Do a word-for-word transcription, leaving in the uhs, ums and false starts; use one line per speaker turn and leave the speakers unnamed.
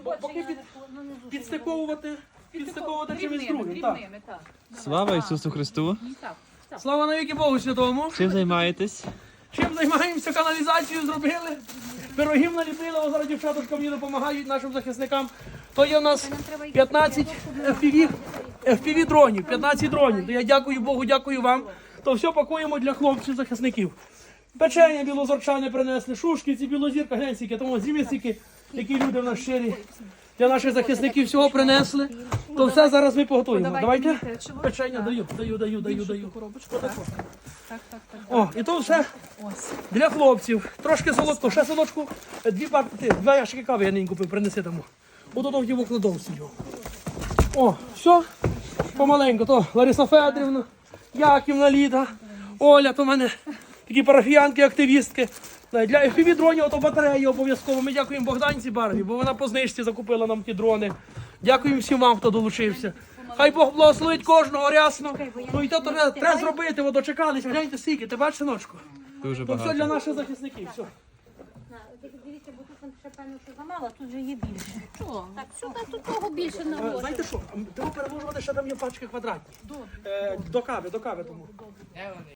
Бо- Поки під, підстиковувати, підстиковувати чимось
Дрібними,
другим. Так.
дрібними, так.
Слава Ісусу Христу!
Так, так.
Слава навіки Богу Святому.
Чим займаєтесь?
Чим займаємося? Каналізацію зробили, пирогів наліпили, а зараз дівчаточка мені допомагають нашим захисникам. То є у нас п'ятнадцять еф пі ві, еф пі ві дронів, п'ятнадцять дронів. То я дякую Богу, дякую вам. То все пакуємо для хлопців захисників. Печення білозорчане принесли, шушки, ці білозірка, глянь, тому зім'ясики, які люди в нас щирі. Для наших захисників всього принесли. То все зараз ми поготуємо. Давайте. Печення даю, даю, даю, даю, даю.
Так, так, так.
О, і то все для хлопців. Трошки солодко, ще солодку, дві парти, два ящики кави я нині купив, принеси тому. Ото там в тім окладовці його. О, все, помаленьку, то Лариса Федорівна, Яківна Ліда, Оля, то в мене такі парафіянки, активістки. Для еф пі ві дронів, то батареї обов'язково. Ми дякуємо Богданці Барві, бо вона по знижці закупила нам ті дрони. Дякуємо всім вам, хто долучився. Хай Бог благословить кожного рясно. Ну і то треба, треба зробити, ви дочекалися. Гляньте скільки, ти бачиш, синочку?
Дуже
То все для
багато.
наших захисників. Все.
Дивіться, бо тут ще певно, що замало, тут вже є більше.
Чого?
Так, сюди тут того більше
Е,
наложено.
Знаєте що, треба перемножувати, ще там є пачки квадратні. Е, До кави, до кави тому.